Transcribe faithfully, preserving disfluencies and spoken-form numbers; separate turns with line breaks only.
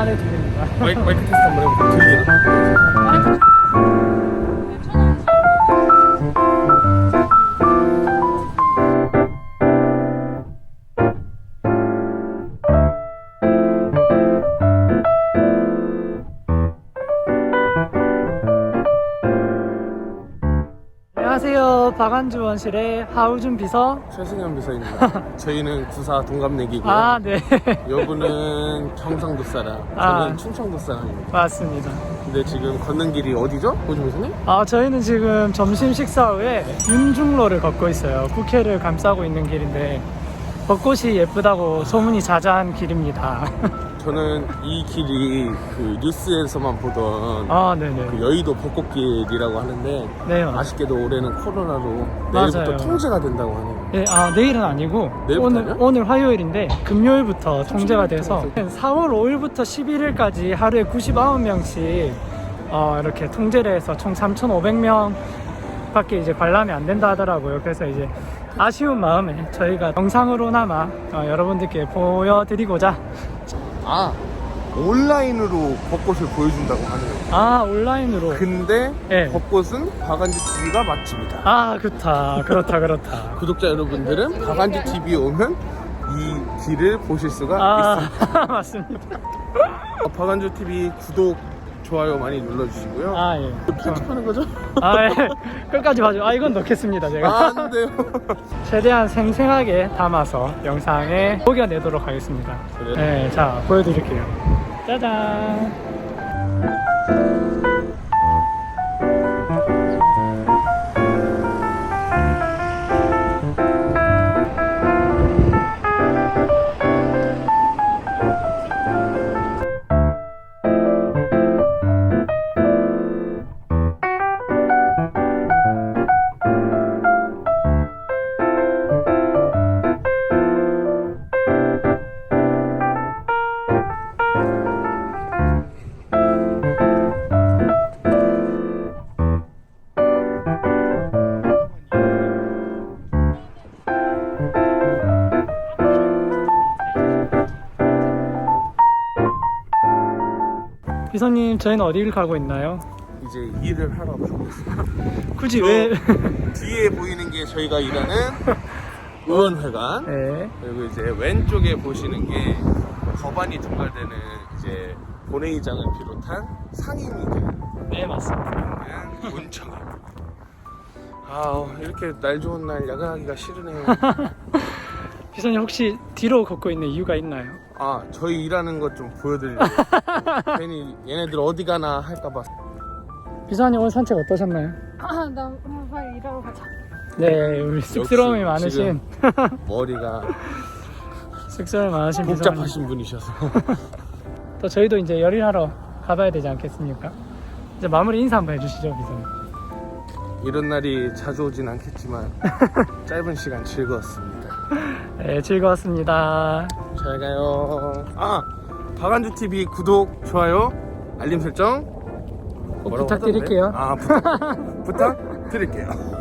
네, 들립니다.
마이크, 마이크 테스트 한번 해볼게요. 들리나?
안녕하세요. 박안주 원실의 하우준 비서.
최승현 비서입니다. 저희는 구사 동갑내기고요.
아, 네.
여분은 경상도 사람, 저는
아.
충청도 사람입니다.
맞습니다.
근데 지금 걷는 길이 어디죠? 호준 비서님?
아, 저희는 지금 점심 식사 후에 윤중로를 걷고 있어요. 국회를 감싸고 있는 길인데 벚꽃이 예쁘다고 소문이 자자한 길입니다.
저는 이 길이 그 뉴스에서만 보던
아, 네네.
그 여의도 벚꽃길이라고 하는데
네, 맞-
아쉽게도 올해는 코로나로 내일부터
맞아요.
통제가 된다고 하네요.
네, 아, 내일은 아니고 오늘,
내일부터요?
오늘 화요일인데 금요일부터 통제가 돼서
통제.
사월 오일부터 십일일까지 하루에 구십구 명씩 어, 이렇게 통제를 해서 총 삼천오백 명 밖에 이제 관람이 안 된다 하더라고요. 그래서 이제 아쉬운 마음에 저희가 영상으로나마 어, 여러분들께 보여드리고자
아, 온라인으로 벚꽃을 보여준다고 하네요.
아, 온라인으로.
근데
네.
벚꽃은 박안지 티비가 맛집이다.
아, 그렇다. 그렇다. 그렇다.
구독자 여러분들은 박안지 티비에 오면 이 길을 보실 수가
아,
있습니다.
맞습니다.
어, 박안주 티비 구독, 좋아요 많이 눌러주시고요.
아, 예.
편집하는 거죠?
아, 예. 끝까지 봐줘. 아, 이건 넣겠습니다, 제가.
아, 안 돼요.
최대한 생생하게 담아서 영상에 녹여내도록 하겠습니다.
그래요?
네, 자, 보여드릴게요. 짜잔. 비서님, 저희는 어디를 가고 있나요?
이제 일을 하러 가고 있습니다.
굳이
저-
왜?
뒤에 보이는 게 저희가 일하는 의원회관.
네.
그리고 이제 왼쪽에 보시는 게 법안이 통과되는 이제 본회의장을 비롯한 상임위들
네, 맞습니다.
있는 문청입니다. 아, 이렇게 날 좋은 날 야근하기가 싫으네요.
비서님, 혹시 뒤로 걷고 있는 이유가 있나요?
아, 저희 일하는 것 좀 보여드리려고. 괜히 얘네들 어디 가나 할까봐.
비서님, 오늘 산책 어떠셨나요?
아, 나 오늘 빨리 일하러 가자.
네, 우리 쑥스러움이
역시
많으신
머리가
쑥스러움이 많으신 비서님.
복잡하신 분이셔서.
또 저희도 이제 열일하러 가봐야 되지 않겠습니까? 이제 마무리 인사 한번 해주시죠, 비서님.
이런 날이 자주 오진 않겠지만 짧은 시간 즐거웠습니다.
네, 즐거웠습니다.
잘 가요. 아, 박안주 티비 구독, 좋아요, 알림 설정
꼭
뭐라고
부탁드릴게요.
하던데? 아, 부탁, 부탁드릴게요.